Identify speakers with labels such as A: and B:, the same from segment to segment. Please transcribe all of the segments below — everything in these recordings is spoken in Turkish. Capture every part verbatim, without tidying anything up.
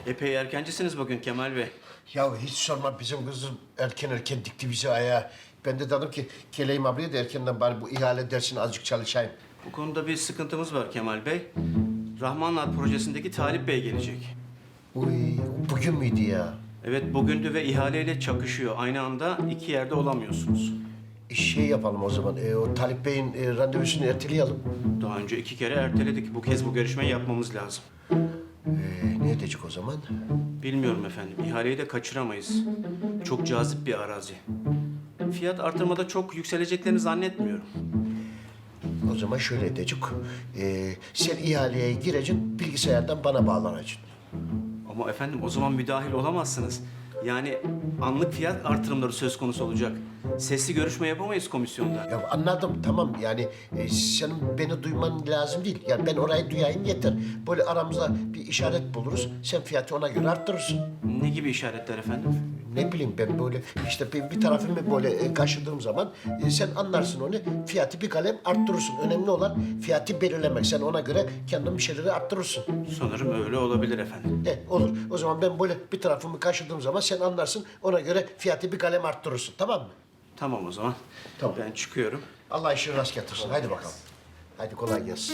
A: Epey erkencisiniz bugün Kemal Bey.
B: Ya hiç sorma, bizim kızım erken erken dikti bizi ayağa. Ben de dedim ki geleyim ablaya da erkenden bari bu ihale dersini azıcık çalışayım.
A: Bu konuda bir sıkıntımız var Kemal Bey. Rahmanlar projesindeki Talip Bey gelecek.
B: Uy, bugün müydü ya?
A: Evet bugündü ve ihaleyle çakışıyor. Aynı anda iki yerde olamıyorsunuz.
B: E, Şey yapalım o zaman, e, o Talip Bey'in e, randevusunu erteleyelim.
A: Daha önce iki kere erteledik. Bu kez bu görüşmeyi yapmamız lazım.
B: E, ne edecek o zaman?
A: Bilmiyorum efendim. İhaleyi de kaçıramayız. Çok cazip bir arazi. Fiyat artırmada çok yükseleceklerini zannetmiyorum.
B: O zaman şöyle edecek. E, sen ihaleye gireceksin, bilgisayardan bana bağlanacaksın.
A: Ama efendim o zaman müdahil olamazsınız. Yani anlık fiyat artırımları söz konusu olacak. Sesli görüşme yapamayız komisyonda.
B: Ya anladım, tamam, yani e, senin beni duyman lazım değil. Yani ben orayı duyayım yeter. Böyle aramızda bir işaret buluruz. Sen fiyatı ona göre arttırırsın.
A: Ne gibi işaretler efendim?
B: Ne bileyim ben böyle işte bir, bir tarafımı böyle e, kaşıdığım zaman e, sen anlarsın onu. Fiyatı bir kalem arttırırsın. Önemli olan fiyatı belirlemek. Sen ona göre kendin bir şeyleri arttırırsın.
A: Sanırım öyle olabilir efendim.
B: E, olur. O zaman ben böyle bir tarafımı kaşıdığım zaman sen anlarsın. Ona göre fiyatı bir kalem arttırırsın. Tamam mı?
A: Tamam o zaman.
B: Tamam.
A: Ben çıkıyorum.
B: Allah işini rast getirsin. Haydi bakalım. Haydi kolay gelsin.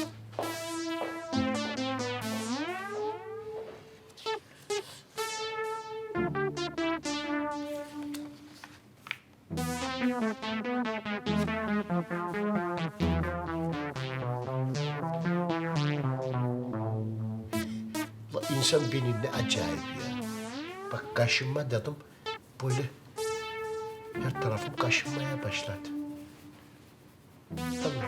B: La insan beni ne acayip ya. Bak kaşınma dedim. Böyle her tarafım kaşınmaya başladı. Tamam.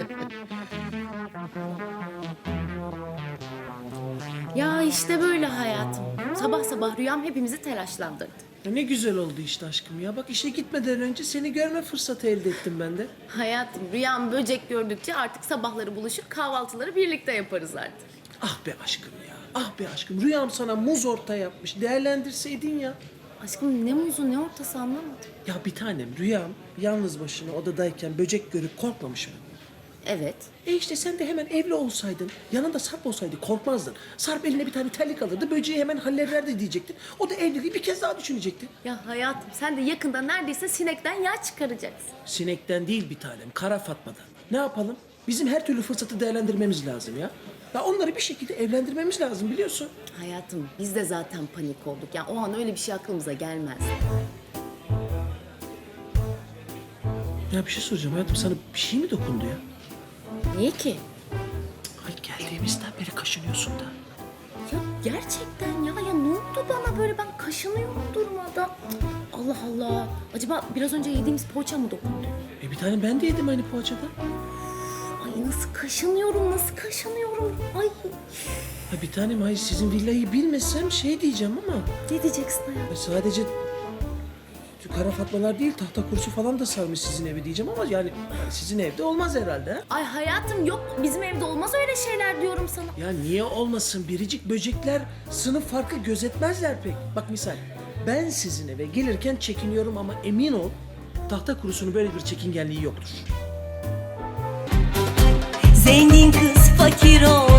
C: Ya işte böyle hayatım. Sabah sabah rüyam hepimizi telaşlandırdı.
D: Ya ne güzel oldu işte aşkım ya. Bak işe gitmeden önce seni görme fırsatı elde ettim ben de.
C: Hayatım rüyam böcek gördükçe artık sabahları buluşup kahvaltıları birlikte yaparız artık.
D: Ah be aşkım ya. Ah be aşkım. Rüyam sana muz orta yapmış. Değerlendirseydin ya.
C: Aşkım ne muzu ne ortası anlamadım.
D: Ya bir tanem rüyam yalnız başına odadayken böcek görüp korkmamış mı?
C: Evet.
D: E işte sen de hemen evli olsaydın, yanında Sarp olsaydı korkmazdın. Sarp eline bir tane terlik alırdı, böceği hemen hallederdi diyecektin. O da evliliği bir kez daha düşünecekti.
C: Ya hayatım sen de yakında neredeyse sinekten yağ çıkaracaksın.
D: Sinekten değil bir tanem, kara Fatma'dan. Ne yapalım? Bizim her türlü fırsatı değerlendirmemiz lazım ya. Ya onları bir şekilde evlendirmemiz lazım biliyorsun.
C: Hayatım biz de zaten panik olduk. Yani o an öyle bir şey aklımıza gelmez.
D: Ya bir şey soracağım hayatım, sana bir şey mi dokundu ya?
C: Niye ki?
D: Ay geldiğimizden beri kaşınıyorsun da.
C: Ya gerçekten ya, ya ne oldu bana böyle, ben kaşınıyorum durmadan. Allah Allah. Acaba biraz önce yediğimiz poğaça mı dokundu?
D: E bir tane ben de yedim aynı poğaçada.
C: Ay nasıl kaşınıyorum, nasıl kaşınıyorum. Ay
D: Ha bir tanem, hayır sizin villayı bilmesem şey diyeceğim ama...
C: ne diyeceksin hayatım?
D: e, sadece kara Fatmalar değil, tahta kursu falan da sarmış sizin evi diyeceğim ama yani sizin evde olmaz herhalde ha?
C: Ay hayatım yok, bizim evde olmaz öyle şeyler diyorum sana.
D: Ya niye olmasın? Biricik böcekler sınıf farkı gözetmezler pek. Bak misal, ben sizin eve gelirken çekiniyorum ama emin ol tahta kurusunun böyle bir çekingenliği yoktur.
E: Zengin kız fakir ol